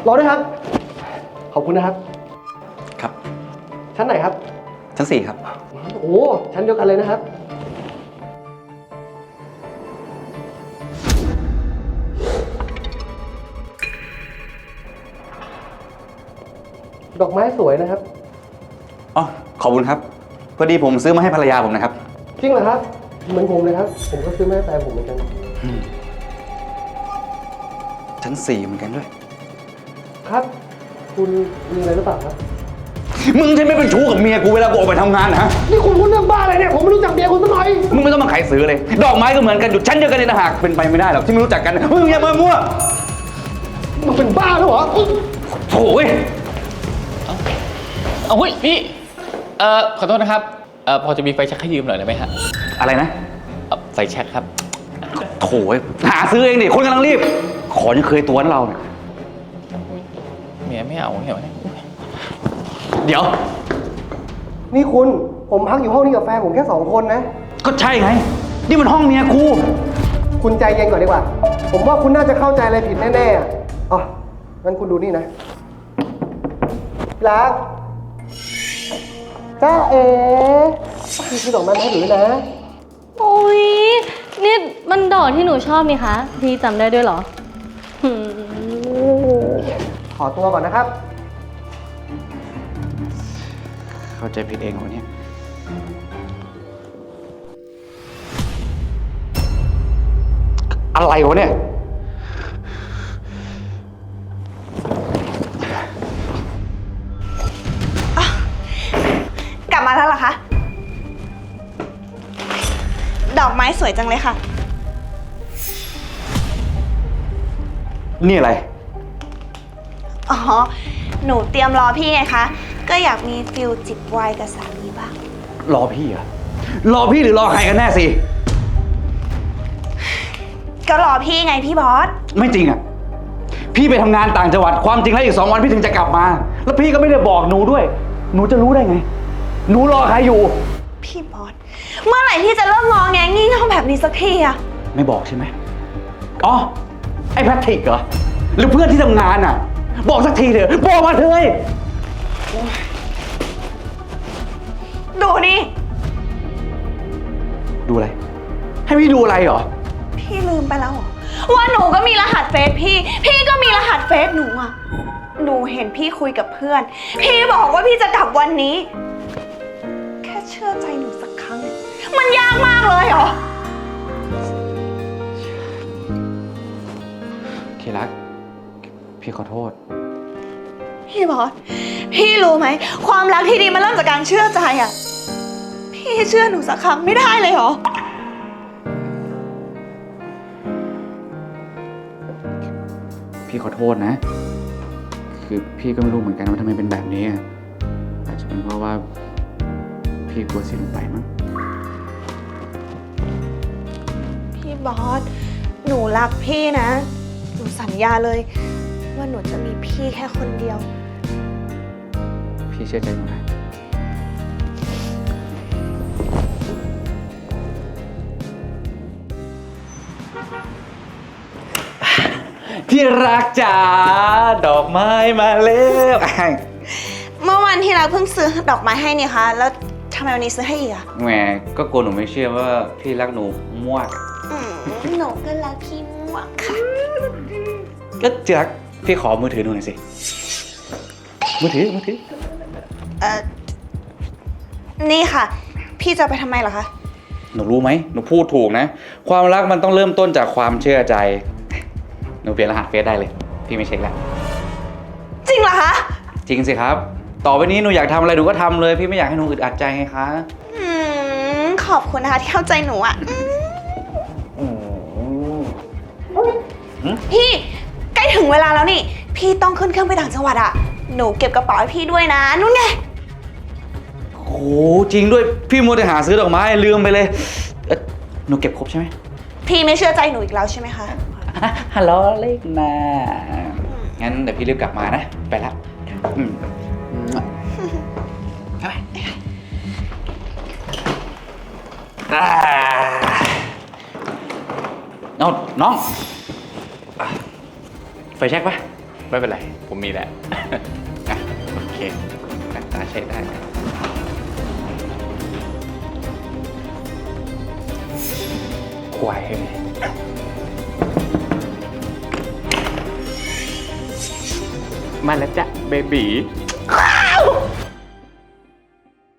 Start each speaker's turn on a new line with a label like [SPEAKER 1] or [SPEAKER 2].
[SPEAKER 1] รอด้วยครับ ขอบคุณนะครับ
[SPEAKER 2] ครับ
[SPEAKER 1] ชั้นไหนครับ
[SPEAKER 2] ชั้น4ครับ
[SPEAKER 1] โอ้ชั้นเดียวกันเลยนะครับ ดอกไม้สวยนะครับ
[SPEAKER 2] อ๋อ ขอบคุณครับ พอดีผมซื้อมาให้ภรรยาผมนะครับ
[SPEAKER 1] จริงเหรอครับ เหมือนผมเลยครับ ผมก็ซื้อมาให้แฟนผมเหมือนกัน
[SPEAKER 2] ชั้น4เหมือนกันด้วย
[SPEAKER 1] ครับ คุณมีอะไรหรือเปล่าครับ
[SPEAKER 2] มึงใช่ไม่เป็นชู้กับเมียกูเวลากูออกไปทำงานนะฮะ
[SPEAKER 1] นี่คุณพูดเรื่องบ้าอะไรเนี่ย ผมไม่รู้จักเมียคุณสักหน่อย
[SPEAKER 2] มึงไม่ต้องมาขายซื้อเลย ดอกไม้ก็เหมือนกันอยู่ชั้นเดียวกันในต่างหากเป็นไปไม่ได้หรอกที่ไม่รู้จักกันมึงอย่ามามั่ว
[SPEAKER 1] มึงเป็นบ้าแล้วเหรอ
[SPEAKER 2] โถ่ย
[SPEAKER 3] เอาเฮ้ยพี่ขอโทษนะครับพอจะมีไฟแช็กให้ยืมหน่อยได้ไหมฮะ
[SPEAKER 2] อะไรนะ
[SPEAKER 3] ไฟแช็กครับ
[SPEAKER 2] โถ่ยหาซื้อเองดิคนกำลังรีบ ขอยังเคยตัวนะเราเนี่ย
[SPEAKER 3] เมียไม่เอาเห็นไหม
[SPEAKER 2] เดี๋ยว
[SPEAKER 1] นี่คุณ ผมพักอยู่ห้องนี้กับแฟนผมแค่2 คนนะ
[SPEAKER 2] ก็ใช่ไง นี่มันห้องเมียกู
[SPEAKER 1] คุณใจเย็นก่อนดีกว่า ผมว่าคุณน่าจะเข้าใจอะไรผิดแน่ๆอ่ะอ๋องั้นคุณดูนี่นะรักจ้าเอ๋พี่ซื้อดอกไม้มาให้หนูด้วยนะ
[SPEAKER 4] โอ้ยนี่มันดอกที่หนูชอบนี่คะพี่จำได้ด้วยเหรอหืม
[SPEAKER 1] ขอตัวก่อนนะครับ
[SPEAKER 2] เข้าใจผิดเองวันนี้อะไรวะเนี่ย
[SPEAKER 5] กลับมาแล้วเหรอคะ ดอกไม้สวยจังเลยค่ะ
[SPEAKER 2] นี่อะไร
[SPEAKER 5] อ๋อ หนูเตรียมรอพี่ไงคะ ก็อยากมีฟิลจิบไวน์กับสามีบ้าง
[SPEAKER 2] รอพี่เหรอ รอพี่หรือรอใครกันแน่สิ
[SPEAKER 5] ก็รอพี่ไงพี่บอส
[SPEAKER 2] ไม่จริงอ่ะ พี่ไปทำงานต่างจังหวัด ความจริงแล้วอีก2 วันพี่ถึงจะกลับมา แล้วพี่ก็ไม่ได้บอกหนูด้วย หนูจะรู้ได้ไง หนูรอใครอยู่
[SPEAKER 5] พี่บอส เมื่อไหร่พี่จะเริ่มมองแงงี่เง่าแบบนี้สักทีอะ
[SPEAKER 2] ไม่บอกใช่ไหมอ๋อ ไอ้แพทริกเหรอ หรือเพื่อนที่ทำงานอ่ะ บอกสักทีเถอะ บอกมาเถอะ
[SPEAKER 5] ดูนี่
[SPEAKER 2] ดูอะไร ให้พี่ดูอะไรเหรอ
[SPEAKER 5] พี่ลืมไปแล้วเหรอว่าหนูก็มีรหัสเฟซพี่ พี่ก็มีรหัสเฟซหนูอะหนูเห็นพี่คุยกับเพื่อน พี่บอกว่าพี่จะกลับวันนี้ แค่เชื่อใจหนูสักครั้ง มันยากมากเลยเหรอ
[SPEAKER 2] เครัก พี่ขอโทษ
[SPEAKER 5] พี่บอส พี่รู้ไหม ความรักที่ดีมันเริ่มจากการเชื่อใจอะพี่เชื่อหนูสักครั้งไม่ได้เลยเหรอ
[SPEAKER 2] พี่ขอโทษนะ คือพี่ก็ไม่รู้เหมือนกันว่าทำไมเป็นแบบนี้อะอาจจะเป็นเพราะว่าพี่กลัวเสียลงไปมั้ง
[SPEAKER 5] พี่บอส หนูรักพี่นะ หนูสัญญาเลย ว่าหนูจะมีพี่แค่คนเดียว
[SPEAKER 2] พี่เชื่อใจหนูนะ ที่รักจ๋าดอกไม้มาแล้ว
[SPEAKER 5] เมื่อวันที่เราเพิ่งซื้อดอกไม้ให้นี่คะแล้วทำไมวันนี้ซื้อให้อีกอะ
[SPEAKER 2] แหมก็กลัวหนูไม่เชื่อว่าพี่รักหนูมาก
[SPEAKER 5] หนูก็รักพี่มากค่ะ
[SPEAKER 2] ก็ที่รักพี่ขอมือถือหนูหน่อยสิ มือถือ
[SPEAKER 5] นี่ค่ะ พี่จะไปทำไมเหรอคะ
[SPEAKER 2] หนูรู้ไหม หนูพูดถูกนะ ความรักมันต้องเริ่มต้นจากความเชื่อใจ หนูเปลี่ยนรหัสเฟซได้เลย พี่ไม่เช็คแล้ว
[SPEAKER 5] จริงเหรอคะ
[SPEAKER 2] จริงสิครับ ต่อไปนี้หนูอยากทำอะไรหนูก็ทำเลย พี่ไม่อยากให้หนูอึดอัดใจไงคะ
[SPEAKER 5] ขอบคุณนะคะที่เข้าใจหนูอะพี่ใกล้ถึงเวลาแล้วนี่ พี่ต้องขึ้นเครื่องไปต่างจังหวัดอะหนูเก็บกระเป๋าให้พี่ด้วยนะนู่นไง
[SPEAKER 2] โอ้โหจริงด้วย พี่มัวแต่หาซื้อดอกไม้ลืมไปเลยหนูเก็บครบใช่ไหม
[SPEAKER 5] พี่ไม่เชื่อใจหนูอีกแล้วใช่ไหมคะ
[SPEAKER 2] ฮัลโหลเล็กนะงั้นเดี๋ยวพี่รีบกลับมานะ ไปแล้วไปเอาน้อง ไฟแช็กปะ
[SPEAKER 3] ไม่เป็นไร ผมมีแหละ อ่ะโอเคหน้าตาใช้ได้ควายเลยมาแล้วจ้ะเบบี